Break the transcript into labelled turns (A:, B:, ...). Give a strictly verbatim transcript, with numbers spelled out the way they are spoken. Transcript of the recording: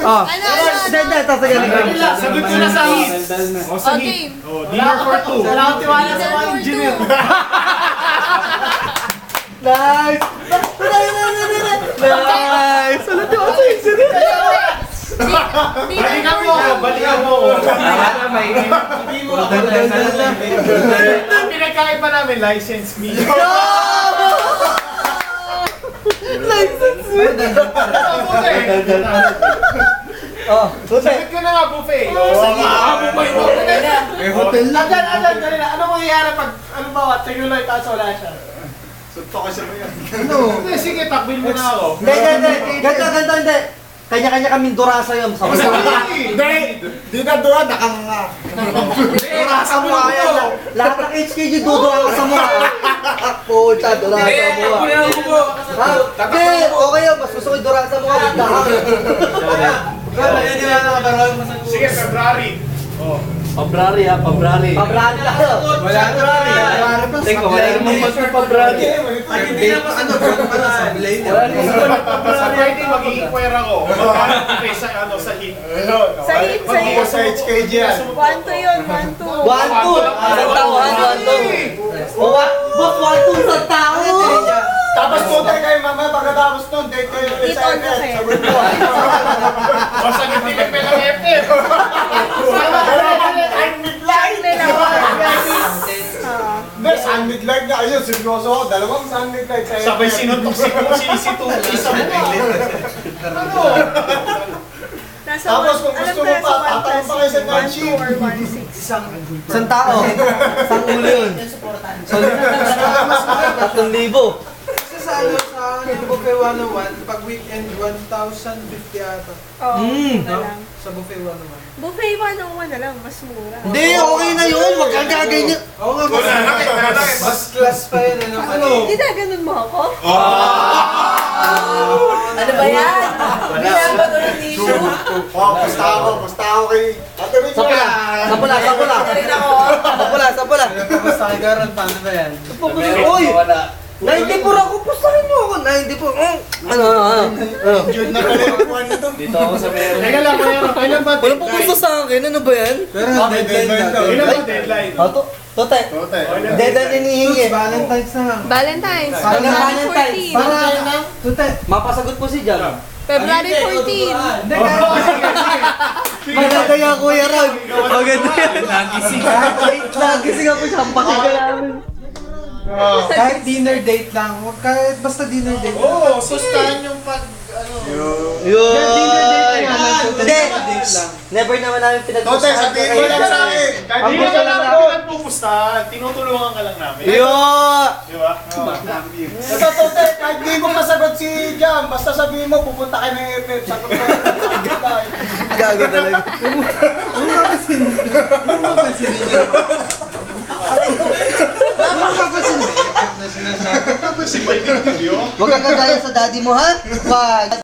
A: Oh.
B: Ano, ano,
A: Hindi,
B: ano?
A: hindi. Tapos ganun.
C: Sagot ko na sa hit. O sa
B: Okay.
C: hit. O, dinner for two.
D: Wala akong tiwala sa mga
B: Dinner for
D: engineer.
B: two.
A: Nice! Nice! Wala di ako sa engineer.
C: Balikan mo. Balikan mo.
D: Hindi mo ako.
C: Ang pinagkaiba namin, license me.
A: License mo.
C: Buffet.
A: Oh, buti.
C: Sagot ko na nga, buffet. O, makakabumay mo.
D: May hotel na. Adan, adan, dali na. Ano mangyayari pag, ano ba, tingin lang kaso wala siya? Sunto ka siya ba yan? Ano?
C: Hindi, sige, takbil mo na ako.
A: Hindi, hindi, hindi. Ganto, ganto, hindi. Kanya-kanya kaming durasa yun. Sa
D: Hindi! Di na doon, nakanganga.
C: Durasa mo na ito.
A: Lahat ng H K G dudura ka sa mukha. Puta, durasa sa mukha. Ha? Hindi, okay yun. Mas gusto ko yung durasa sa mukha. Dahang.
C: Sige, February. O.
E: Pabrari ha, pabrari.
A: Pabrani lang yun.
D: Wala na.
E: Teka, wala namang magpapabrari.
D: Hindi na ano, wala sa blade.
C: Sa Friday, mag-i-inquire ako. Magkakaroon sa, ano, sa hit.
B: Sa hit, sa hit.
D: Sa H K G yan.
B: One, two yun, one, two.
A: One, two. Isang tauhan, one, two. O, wa- boss, one, two, isang tao.
D: Tapos punta kayo mamaya pagkatapos nun, date kayo ulit sa
B: Date on
D: event.
B: kasi.
D: Sa window.
C: O, sa hit, hindi ka pelang F F.
B: Saan nila ako? Ah.
D: Hindi, sun midlight na ayun, seryoso ako. Dalawang sun midlight sa
C: Sabay sinuntok si Sinisi sa mukha. Ano?
B: Nasa
D: Tapos
B: one-
D: kung
B: alam
D: gusto
B: ko
D: mo
B: nasa
D: pa,
B: one
D: tatanong
B: plus
D: pa kayo sa
B: one,
D: night
B: two
D: shift.
B: or one, six.
A: Isang tao. Isang ulo yun. Tatlong libo.
F: Kasi sa ano, sa yung buffet one oh one, pag weekend, one thousand fifty ata.
B: Oo,
A: Mm.
B: na lang.
F: Sa buffet one oh one.
B: Buffet one oh one na lang, mas mura.
A: Hindi, okay na yun. Wag kang gaganyan.
F: Oo nga, mas,
C: Wala, nakit, nakit.
F: mas class pa yun, ano? Ano?
B: Hindi na ganun mo ako?
C: Ah!
B: Ano ba yan? Hindi na ba ito ng issue?
D: Oh, basta ako, basta ako kay... Ate Rich
A: Sa pula. Sa pula, sa pula.
B: Rin ako.
A: Sa pula, sa pula.
F: Basta kay Garon, paano ba yan?
A: Uy! ninety-four ako. Pustahin mo ako. ninety-four. Mm. Ano, ano, ano? Ano?
D: Yun na pala yung kuwan nito.
E: Dito ako sa meron.
C: Teka lang, kailan kailan ba
A: Walang pupunta sa akin. Ano ba yan?
F: Pero
D: Ah, may
F: deadline
D: deadline
F: na.
D: daw.
C: Kailan ba deadline?
A: Oh, to. Tote.
D: Tote.
A: Deadline hinihingi.
F: Suits, Valentine's na nga.
B: Valentine's,
A: Para
B: February
A: Valentine's.
B: fourteen.
F: Para, Tute,
A: Mapasagot po si Jam.
B: February fourteen.
F: hindi kahit,
A: Maganda yan, Kuya Rag. Maganda yan.
E: Nagising.
A: Nagising ako siya. Pakika namin.
F: kahit dinner date lang, huwag kahit basta dinner date.
C: Oo, sustahan yung pag, ano.
A: Yun.
F: Dinner date na lang, Tute,
A: Hindi.
F: dinner date lang.
A: Never naman namin
D: Tote,
A: pinag-usapan.
D: sabihin mo lang sa akin.
C: Kahit
A: Ang
C: hindi
A: gusto
C: ka
A: lang
C: lang
A: namin.
C: namin pupustahan, tinutulungan ka lang namin.
A: Yun.
C: Di ba?
D: Ito, Tote, kahit di mo masagot si Jam, basta sabihin mo, pupunta kayo ng F F. Sagot mo.
A: Gago talaga.
F: Ano nga kasi, ano nga kasi ninyo? Ano nga kasi ninyo? Na sinasabi.
C: Si Mike Video.
A: Huwag kang kagaya sa daddy mo, ha? Wag.